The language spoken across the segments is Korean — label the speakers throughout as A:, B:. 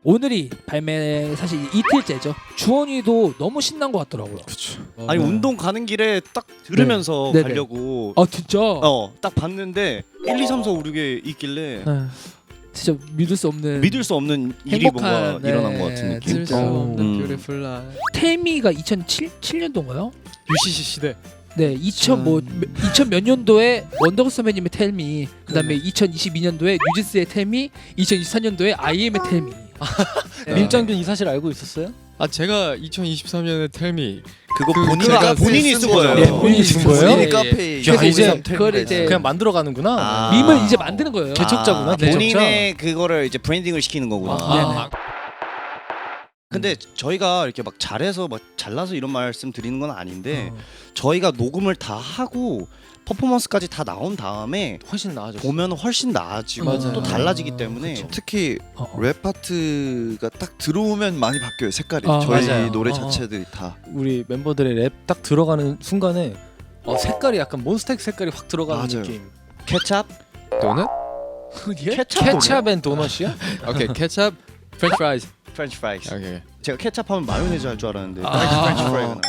A: 오늘이 발매 사실 이틀째죠. 주원이도 너무 신난 것 같더라고요.
B: 그렇죠.
C: 아니 운동 가는 길에 딱 들으면서
A: 네네.
C: 가려고
A: 아 진짜?
C: 딱 봤는데 1, 2, 3, 4, 5, 6에 있길래
A: 네. 진짜 믿을 수 없는
C: 믿을 수 없는 일이 뭔가
A: 행복한,
C: 일어난 것 같은 느낌.
B: 믿을 수 없는
C: 음.
B: 뷰티풀 라이프.
A: 태미가 2007년도인가요?
B: UCC 시대.
A: 네, 2000 몇 년도에 원더걸스 선배님의 텔미, 그다음에 2022년도에 뉴진스의 텔미, 2024년도에 IM의 텔미.
D: 민정균 이 사실 알고 있었어요?
B: 아 제가 2023년에 텔미
E: 그거
B: 제가
C: 본인이 쓴 거예요.
A: 네, 본인이 쓴 거예요?
E: 본인이
A: 예,
E: 카페에
A: 그래서 이제
E: 텔미가
A: 그걸 이제
E: 있어요.
D: 그냥 만들어 가는구나.
C: 아.
A: 밈을 이제 만드는 거예요.
D: 개척자구나, 개척자.
C: 본인의 그거를 이제 브랜딩을 시키는 거구나.
A: 네네.
C: 근데 저희가 이렇게 막 잘해서 막 잘나서 이런 말씀 드리는 건 아닌데 저희가 녹음을 다 하고 퍼포먼스까지 다 나온 다음에
D: 훨씬 나아졌어.
C: 보면 훨씬 나아지고
D: 맞아요.
C: 또 달라지기 때문에
D: 그쵸.
E: 특히 랩 파트가 딱 들어오면 많이 바뀌어요 색깔이.
A: 아,
E: 저희
D: 맞아요.
E: 노래 자체들이 다.
D: 우리 멤버들의 랩 딱 들어가는 순간에 색깔이 약간 몬스타엑 색깔이 확 들어가는
E: 맞아요.
D: 느낌.
C: 케찹?
B: 도넛?
A: 예?
D: 케찹 앤 도넛이야?
B: 오케이 케찹, 프렌치 프라이즈.
C: 프렌치 프라이스.
B: 오케이.
C: 제가 케찹하면 마요네즈 할 줄 알았는데
A: 아.
C: 프렌치 프라이가 나왔네.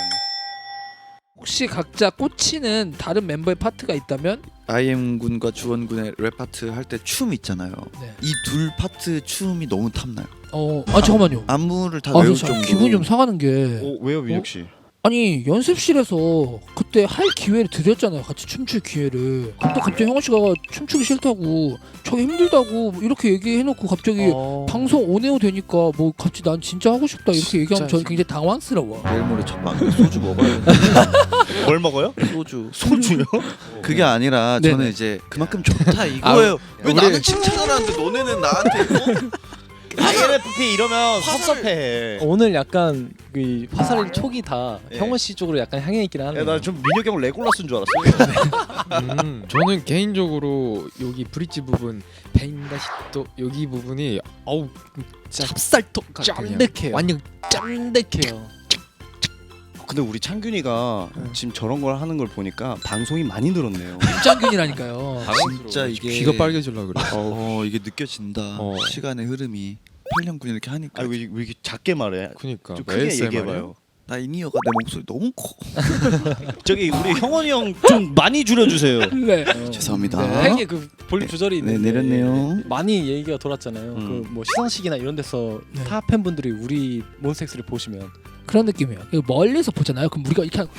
A: 혹시 각자 꽂히는 다른 멤버의 파트가 있다면?
E: IM 군과 주원 군의 랩 파트 할 때 춤 있잖아요.
A: 네.
E: 이 둘 파트 춤이 너무 탐나요.
A: 잠깐만요.
E: 안무를 다
A: 아,
E: 외울
A: 저
E: 정도로.
A: 기분이 좀 상하는 게
C: 왜요 민혁 씨?
A: 아니 연습실에서 그때 할 기회를 드렸잖아요. 같이 춤출 기회를. 근데 갑자기 형원 씨가 춤추기 싫다고, 저기 힘들다고 뭐 이렇게 얘기해놓고 갑자기 방송 온에어 되니까 뭐 같이 난 진짜 하고 싶다 이렇게 얘기하면 저는 굉장히 당황스러워.
E: 내일 모레 첫 방에 소주 먹어야 돼.
C: 뭘 먹어요?
E: 소주.
C: 소주요?
E: 그게 아니라
A: 네네.
E: 저는 이제 그만큼 좋다 이거예요. 왜
B: 우리-
E: 나는 칭찬을 하는데 너네는 나한테
C: INFP 이러면 섭섭해.
D: 오늘 약간 그 화살의 촉이 다
C: 예.
D: 형원 씨 쪽으로 약간 향해 있긴 하네.
C: 나좀 민혁 형 레골라스인 줄 알았어요.
B: 저는 개인적으로 여기 브릿지 부분 뱅다시또 여기 부분이 어우 찹쌀떡 같아요.
D: 쫀득해요.
B: 완전
D: 쫀득해요.
C: 근데 우리 창균이가 지금 저런 걸 하는 걸 보니까 방송이 많이 늘었네요.
A: 입장균이라니까요.
E: 진짜 이게
B: 귀가 빨개질라 그래.
E: 이게 느껴진다. 시간의 흐름이 8년군 이렇게 하니까.
C: 왜 이렇게 작게 말해?
B: 그니까
C: 좀 크게 얘기해봐요.
E: 나 이니어가 내 목소리 너무 커.
C: 저기 우리 형원이 형 좀 많이 줄여주세요.
A: 네.
E: 죄송합니다.
D: 팩에 그 볼륨 조절이
E: 네,
D: 있는데
E: 내렸네요.
D: 많이 얘기가 돌았잖아요. 그 뭐 시상식이나 이런 데서
A: 네.
D: 타 팬분들이 우리 몬스타엑스를 보시면
A: 그런 느낌이에요. 이거 멀리서 보잖아요. 그럼 우리가 이렇게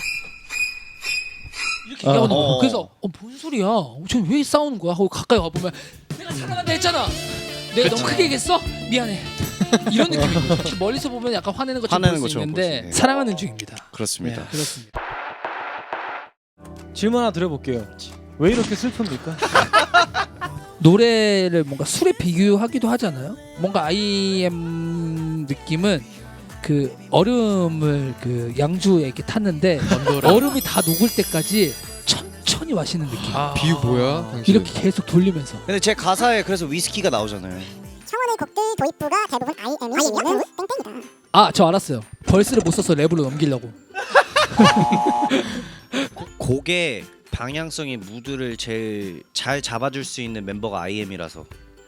A: 얘기하는 거예요. 그래서 뭔 소리야? 쟤 왜 싸우는 거야? 하고 가까이 와 보면 내가 사랑한다 했잖아. 내가 너무 크게 얘기했어? 미안해. 이런 느낌이고 멀리서 보면 약간 화내는 것처럼
C: 화내는
A: 볼 수
C: 것처럼
A: 있는데
C: 볼 수, 네.
A: 사랑하는 중입니다.
C: 그렇습니다.
A: 네, 그렇습니다.
D: 질문 하나 드려볼게요. 왜 이렇게 슬픕니까?
A: 노래를 뭔가 술에 비교하기도 하잖아요. 뭔가 IM 느낌은 그 얼음을 그 양주에 이렇게 탔는데 얼음이 다 녹을 때까지 천천히 마시는 느낌.
B: 비유 뭐야? 당신?
A: 이렇게 계속 돌리면서.
C: 근데 제 가사에 그래서 위스키가 나오잖아요.
F: 청원의 곡들 도입부가 대부분 IM이면 땡땡이다.
A: 아, 저 알았어요. 벌스를 못 써서 랩으로 넘기려고.
C: 곡의 방향성의 무드를 제일 잘 잡아줄 수 있는 멤버가 IM이라서.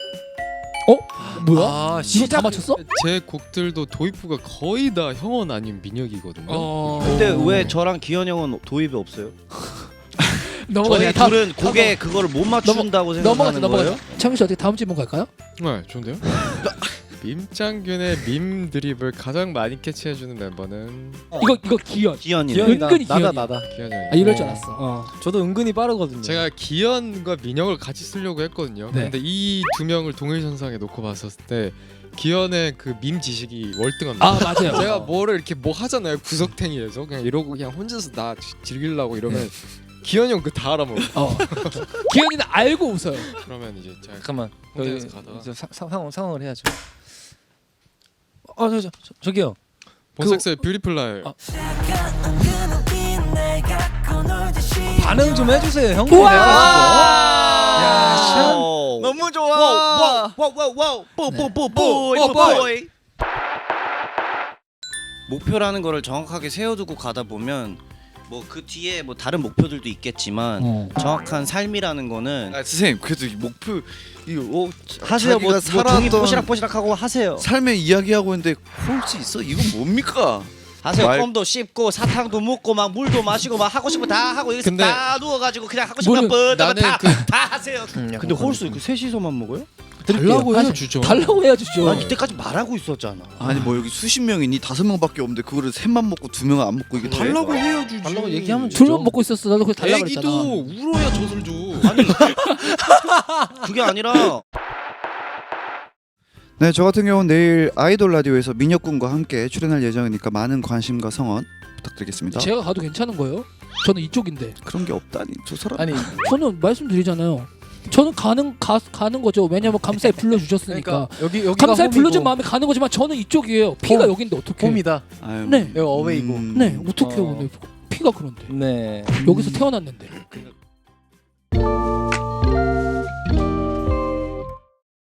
A: 뭐야? 이거 다 맞췄어?
B: 제 곡들도 도입부가 거의 다 형원 아닌 민혁이거든요.
C: 근데 왜 저랑 기현 형은 도입이 없어요?
A: 넘어가자.
C: 저희 둘은 곡에 그거를 못 맞춘다고 생각하는 거예요?
A: 창규 씨 어떻게 다음 질문 갈까요?
B: 네, 좋은데요? 밈짱균의 밈 드립을 가장 많이 캐치해주는 멤버는
A: 이거 기현.
C: 기현이.
D: 기현이다.
A: 은근히
D: 나다
A: 기현이야.
D: 나다.
B: 기현이 형이에요.
A: 아, 이럴 줄 알았어.
D: 저도 은근히 빠르거든요.
B: 제가 기현과 민혁을 같이 쓰려고 했거든요.
A: 네.
B: 근데 이 두 명을 동일선상에 놓고 봤었을 때 기현의 그 밈 지식이 월등합니다.
A: 아, 맞아요.
B: 제가 뭐를 이렇게 뭐 하잖아요. 구석탱이에서 그냥 이러고 그냥 혼자서 나 즐기려고 이러면 기현이 형 그 다 알아먹어.
A: 기현이는 알고 웃어요.
B: 그러면 이제 제가
D: 잠깐만.
B: 홍대에서 가다가
D: 이제 상황을 해야죠. 저기요.
B: 본색스의 뷰티풀 라이.
D: 반응 좀 해주세요, 형님.
A: 우와!
D: 야, 참.
C: 너무 좋아. 와우. 뽀뽀뽀뽀. 목표라는 거를 정확하게 세워두고 가다 보면 뭐 그 뒤에 뭐 다른 목표들도 있겠지만 정확한 삶이라는 거는
E: 아 선생님 그래도 이 목표 이거
C: 하세요. 뭐 종이
E: 살았던
C: 뽀시락뽀시락하고 하세요.
E: 삶의 이야기하고 있는데 홀수 있어? 이건 뭡니까?
C: 하세요.
E: 말-
C: 껌도 씹고 사탕도 먹고 막 물도 마시고 막 하고 싶은 거 다 하고 여기서
B: 근데
C: 다 누워가지고 그냥 하고 싶은 거
B: 나는
C: 다 하세요. 근데 홀수 그 셋이서만 먹어요?
B: 달라고
A: 하세요.
B: 해야 주죠.
A: 달라고 해야 주죠.
C: 난 이때까지 말하고 있었잖아.
E: 아니 뭐 여기 수십 명이니 5명밖에 없는데 그거를 셋만 먹고 2명은 안 먹고 이게
B: 달라고 해야 주지.
D: 달라고 얘기하면 주죠.
A: 둘만 먹고 있었어. 나도 그래서 달라고
B: 애기도
A: 그랬잖아.
B: 울어야 젖을 줘.
C: 아니 그게 아니라
E: 네, 저 같은 경우는 내일 아이돌 라디오에서 민혁군과 함께 출연할 예정이니까 많은 관심과 성원 부탁드리겠습니다.
A: 제가 가도 괜찮은 거예요? 저는 이쪽인데.
E: 그런 게 없다니 저 사람.
D: 아니
A: 저는 말씀드리잖아요. 저는 가는 거죠. 왜냐면 감사에 불러주셨으니까.
D: 그러니까 여기가
A: 감사에 불러준
D: 홈이고
A: 마음에 가는 거지만 저는 이쪽이에요. 피가
D: 홈.
A: 여긴데 어떻게?
D: 홈이다.
E: 아유,
A: 네.
D: 여기 어웨이고.
A: 네, 어떻게
D: 어.
A: 오늘 피가 그런데
D: 네.
A: 여기서 태어났는데.